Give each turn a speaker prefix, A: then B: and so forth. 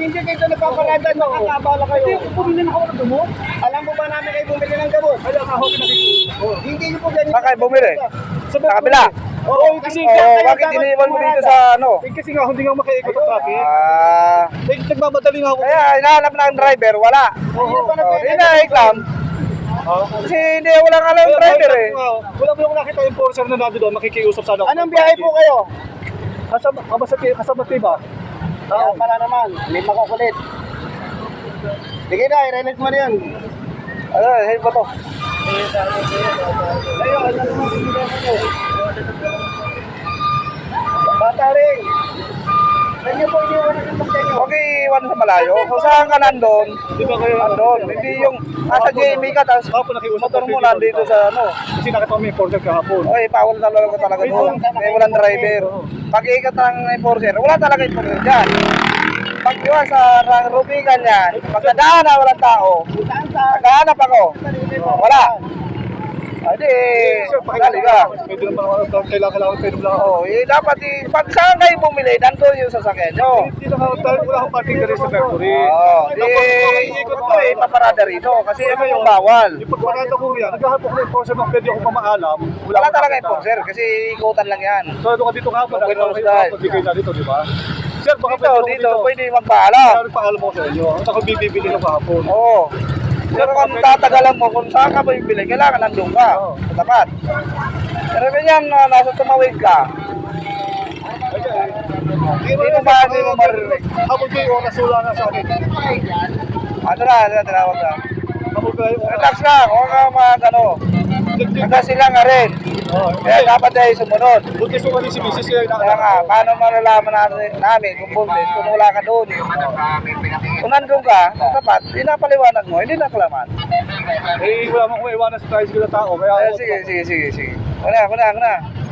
A: hindi kayo nagpaparada, nakakabala kayo. Hindi, bumili na ako ng gamot. Alam mo ba namin kayo bumili ng gamot? Alam ako, nakikita. Hindi nyo po ganyan.
B: Saan kayo bumili? Sa kabila?
A: Oo, kasi
B: bakit iniwan mo dito sa ano?
A: Kasi nga, hindi nga makaikot ang traffic. Nagmamadali nga ako.
B: Kaya hinahanap na ang driver, wala. Hindi na iklam. Kasi hindi, walang alam yung driver eh.
A: Wala mo yung nakita yung enforcer na nado doon, makikiusap sana ako.
C: Anong biyahe po kayo?
A: Kasama ba?
C: Kaya para naman, may makukulit. Sige na, i-relate mo na yun.
B: Ano, hey ba to?
C: Ayun, ano naman sinigyan ko? Bata rin. Saan niyo po iniwan ang pagkain nyo?
B: Okay, iwan sa malayo. Kung saan ka nandun,
A: Di ba kayo?
B: nandun. Hindi yung nasa JME ka, tapos motor mo nandito sa ano.
A: Kasi nakita ko may enforcer kahapon.
B: Oy, bawal talaga doon. May walang driver. Pag-ikat ng enforcer, wala talaga enforcer dyan. Pag iwan sa rubigan yan, pagkadaan na walang tao, naghahanap ako. Wala. Hindi, dali ka.
A: Pwede naman ako, kailangan pwede lang ako.
B: Oh, dapat pag saan kayo bumili, nandun yung sasakyan nyo.
A: Hindi na ako, wala akong parking na rin sa factory.
B: Oo, ikot ko eh, paparada rito kasi ano yung bawal.
A: Yung pagparada ko yan, naghahanap ako ng enforcer na pwede ako pamaalam.
B: Wala talaga enforcer kasi ikutan lang yan.
A: So, ano ka dito kahapon?
B: Okay,
A: Nakita ko kayo kahapon, di kayo na dito, di ba? Sir, baka
B: Dito, pwede magpaalam.
A: Kaya paalam ako sa inyo. Ako bibili ng kahapon.
B: Oo. Pero kung tatagalan mo, kung saan ka bibili, kailangan nandun ka. Sa tapat. Pero ganyan, nasa tumawid ka. Hindi mo maririnig.
A: Habol ko yung oras, wala na sa akin.
B: Ano na, tinawag na.
A: Habol ko yung oras.
B: Relax lang, huwag ka ano. Hanggang sila nga rin. Kaya dapat ay sumunod.
A: Buti sumali si Mrs. Kaya
B: Kaya nga, paano malalaman namin kung buntis, kung wala ka doon. Kung nandun ka, tapat, pinapaliwanag mo, hindi nakalaman.
A: Eh, wala mo kung iwanan sa tricycle na tao. Kaya
B: Sige. Una.